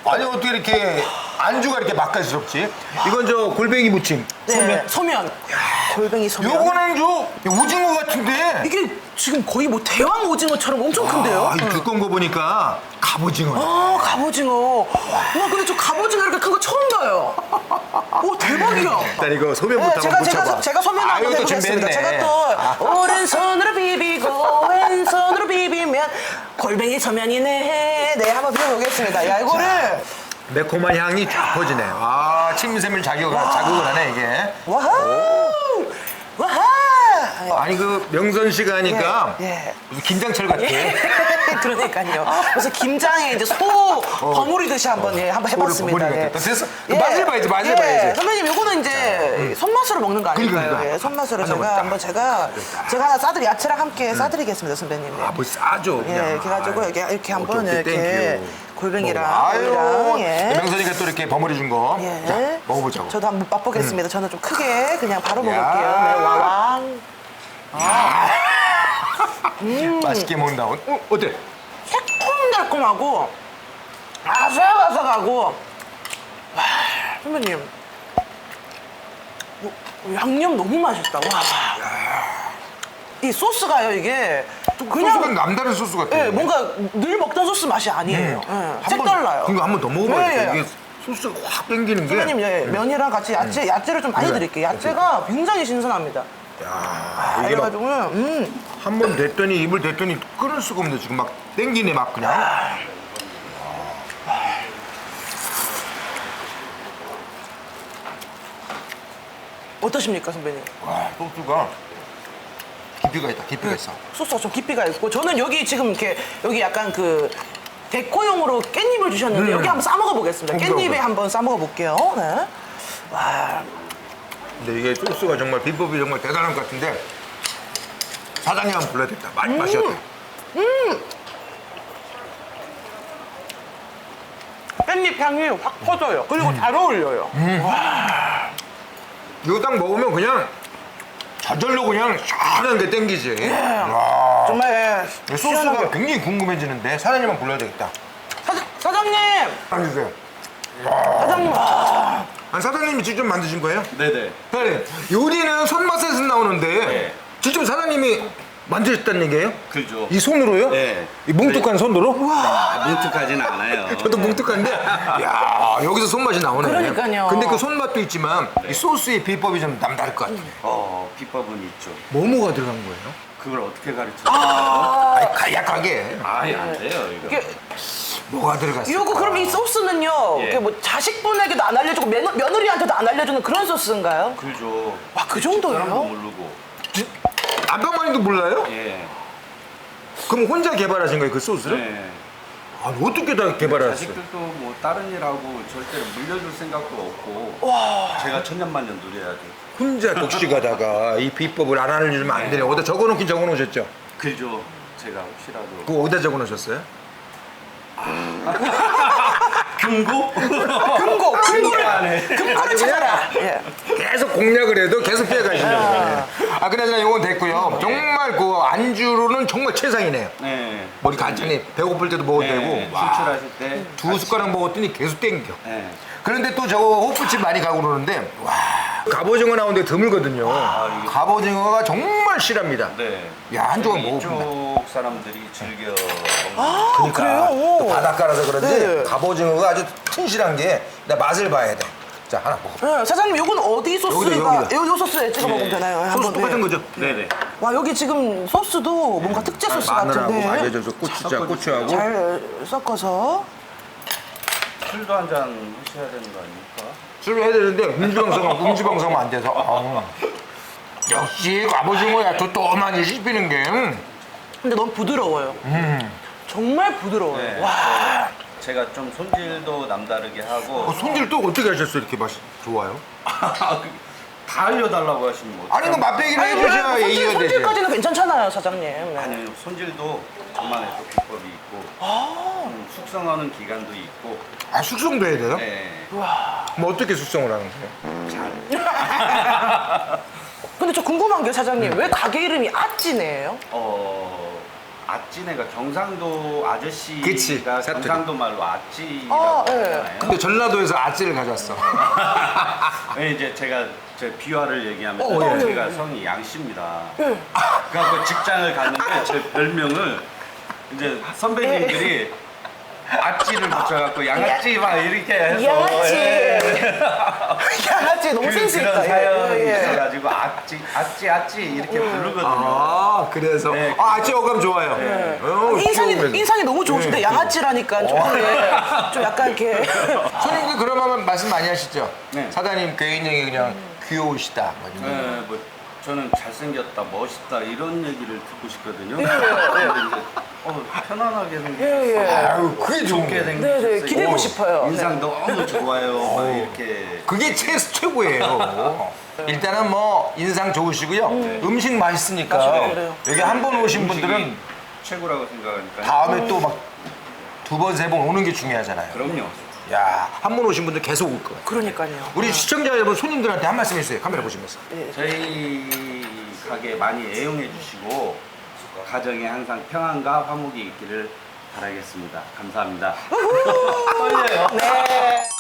아니 어떻게 이렇게 안주가 이렇게 맛깔스럽지? 이건 저 골뱅이 무침. 네, 소면. 골뱅이 소면. 요거는 저 오징어 같은데. 이게 지금 거의 뭐 대왕 오징어처럼 엄청 큰데요? 이 두꺼운 거 보니까 갑오징어. 갑오징어. 와, 근데 저 갑오징어 이렇게 큰 거 처음 봐요. 오, 대박이야. 일단 이거 소면부터 한번 묻혀봐. 제가 소면 한번 이것도 해보겠습니다. 준비했네. 제가 또 오른손으로 비비고 왼손으로 비비면 골뱅이 소면이네. 네, 한번 비벼보겠습니다. 야, 이거를. 매콤한 향이 쫙 퍼지네. 아, 침샘을 자극을 하네, 이게. 와우! 와하! 아니, 그 명선 씨가 하니까 예. 무슨 김장철 같아. 그러니까요. 그래서 김장에 이제 소 버무리듯이 한번 한번 해봤습니다. 버무리겠다. 예. 됐어. 맛을 봐야지, 맛을 봐야지. 선배님, 요거는 이제 손맛으로 먹는 거 아닐까요? 그러니까. 예, 손맛으로 하나 제가 먹자. 한번 제가 하나 야채랑 함께 싸드리겠습니다, 선배님. 아, 뭐 싸죠. 예, 그냥. 이렇게 해가지고 이렇게 한번 오케이, 오케이, 이렇게 땡큐. 골뱅이랑 아유, 오이랑, 예. 명선이가 또 이렇게 버무리 준 거. 예. 자, 먹어보자고. 저도 한번 맛보겠습니다. 저는 좀 크게 그냥 바로 야. 먹을게요. 네, 와왕. 맛있게 먹는다. 어때? 새콤달콤하고 아삭아삭하고. 와, 선배님, 양념 너무 맛있다. 와. 이 소스가요, 이게 소스가 그냥 남다른 소스 같아. 예, 뭔가 늘 먹던 소스 맛이 아니에요. 예, 색달라요. 그거 한번 더 먹어봐야 돼. 예, 예. 이게 소스가 확 땡기는 게. 선배님, 예, 면이랑 같이 야채를 좀 많이 그래. 드릴게요. 야채가 굉장히 신선합니다. 야, 이게 막 그래가지고 한 번 됐더니 입을 댔더니 끊을 수가 없네. 지금 막 땡기네 막 그냥. 어떠십니까, 선배님? 와, 소스가 깊이가 있다. 깊이가 있어. 소스가 좀 깊이가 있고 저는 여기 지금 이렇게 여기 약간 그 데코용으로 깻잎을 주셨는데 여기 한번 싸 먹어 보겠습니다. 깻잎에 그럼. 한번 싸 먹어 볼게요. 네. 와, 근데 이게 소스가 정말 비법이 정말 대단한 것 같은데 사장님 한번 불러야겠다. 맛이 어때? 깻잎 향이 확 퍼져요. 그리고 잘 어울려요. 이거 딱 먹으면 그냥 저절로 그냥 시원한 게 땡기지. 와. 정말 소스가 시원하게. 굉장히 궁금해지는데 사장님 한번 불러야 되겠다. 사장님, 앉으세요. 사장님. 아니, 사장님이 직접 만드신 거예요? 네네. 사장님, 요리는 손맛에서 나오는데 네. 직접 사장님이 만드셨다는 얘기예요? 그죠. 이 손으로요? 네. 이 뭉툭한 손으로? 뭉툭하진 않아요. 저도 뭉툭한데, 야 여기서 손맛이 나오네. 그러니까요. 근데 그 손맛도 있지만 이 소스의 비법이 좀 남다를 것 같아요. 비법은 있죠. 뭐가 들어간 거예요? 그걸 어떻게 가르쳐요? 아니, 간략하게 아예 안 돼요, 이거. 이게 뭐가 들어갔어요? 이거 그럼 이 소스는요. 예. 이게 뭐 자식분에게도 안 알려주고 며느리한테도 안 알려주는 그런 소스인가요? 그죠. 와, 그 사람도 정도예요? 모르고. 아빠마님도 몰라요? 예. 그럼 혼자 개발하신 거예요, 그 소스를? 네. 아, 어떻게 다 개발하셨어요? 자식들도 뭐 다른 일하고 절대로 물려줄 생각도 없고. 제가 천년만년 누려야죠. 혼자 독식하다가 이 비법을 안 알려주면 안 되네. 어디다 적어놓긴 적어놓으셨죠? 그죠. 제가 혹시라도. 그거 어디다 적어놓으셨어요? 금고? 금고를 찾아라. 예. 계속 공략을 해도 계속 피해가시는 거예요. 아, 그나저나 이건 됐고요. 정말 그 안주로는 정말 최상이네요. 네. 머리 간단히 배고플 때도 먹어도 되고 와, 출출하실 때. 두 숟가락 먹었더니 계속 땡겨. 네. 그런데 또 저거 호프집 많이 가고 그러는데 와, 갑오징어 나오는데 드물거든요. 이게- 갑오징어가 정말 실합니다. 네. 야, 한 조각 여기 먹어본다. 이쪽 사람들이 즐겨 먹는 아, 그래요? 또 오. 바닷가라서 그런지 네. 갑오징어가 아주 튼실한 게 나 맛을 봐야 돼. 자, 하나 먹어. 네, 사장님, 요건 어디 소스가? 여기다. 요 소스에 찍어 먹으면 되나요? 소스 한번, 똑같은 네. 거죠? 네네. 와, 여기 지금 소스도 뭔가 특제 소스 마늘하고 같은데 알려줘서 고추장, 고추하고 잘 섞어서. 술도 한 잔 하셔야 되는 거 아닙니까? 술을 해야 되는데 음주방송하면 안 돼서 역시 갑오징어야 또또많이 씹히는 게 근데 너무 부드러워요. 정말 부드러워요. 네. 와. 제가 좀 손질도 남다르게 하고 손질 또 어떻게 하셨어요? 이렇게 맛이 좋아요? 다 알려달라고 하시면 뭐 아니 그 맛배기를 해주셔야 예의가 되지. 손질까지는 괜찮잖아요, 사장님. 네. 아니요 손질도 저만의 또 비법이 있고 숙성하는 기간도 있고 아, 숙성도 해야 돼요? 네. 뭐 어떻게 숙성을 하는 거예요? 근데 저 궁금한 게 사장님, 왜 가게 이름이 아찌네예요? 아찌네가 경상도 아저씨가 그치, 사투리. 경상도 말로 아찌라고 아, 네. 하잖아요. 근데 전라도에서 아찌를 가져왔어. 네, 이제 제가 제 비화를 얘기하면 예. 제가 성이 양씨입니다. 그래갖고 직장을 갔는데 제 별명을 이제 선배님들이 아찌를 붙여갖고 양아찌 막 이렇게 해서 양아찌. 예. 양아찌 너무 센스 있다. 그런 사연이 예, 예. 있어가지고 아찌 이렇게 부르거든요. 아, 그래서. 네. 아찌 어감 좋아요. 네. 어, 귀여우면서. 인상이 너무 좋으신데 양아찌라니까 좀, 좀 약간 이렇게 손님 그러면 말씀 많이 하시죠? 네. 사장님 개인적이 그냥 귀여우시다. 뭐 이런 거. 네, 뭐 저는 잘생겼다, 멋있다 이런 얘기를 듣고 싶거든요. 예, 예. 근데 이제 편안하게 생겼어요. 예, 예. 아유, 그게 좋은 좋게 거예요. 생겼어요. 네, 네, 기대고 싶어요. 인상 너무 좋아요. 막 이렇게. 그게 최고예요. 일단은 뭐 인상 좋으시고요. 음식 맛있으니까 맞아요, 그래요. 여기 한 번 오신 음식이 분들은 최고라고 생각하니까. 다음에 또 막 두 번, 세 번 오는 게 중요하잖아요. 그럼요. 야, 한 번 오신 분들 계속 올 거예요. 그러니까요. 우리 시청자 여러분, 손님들한테 한 말씀 해주세요. 카메라 보시면서. 저희 가게 많이 애용해 주시고 가정에 항상 평안과 화목이 있기를 바라겠습니다. 감사합니다. 떨려요. 네.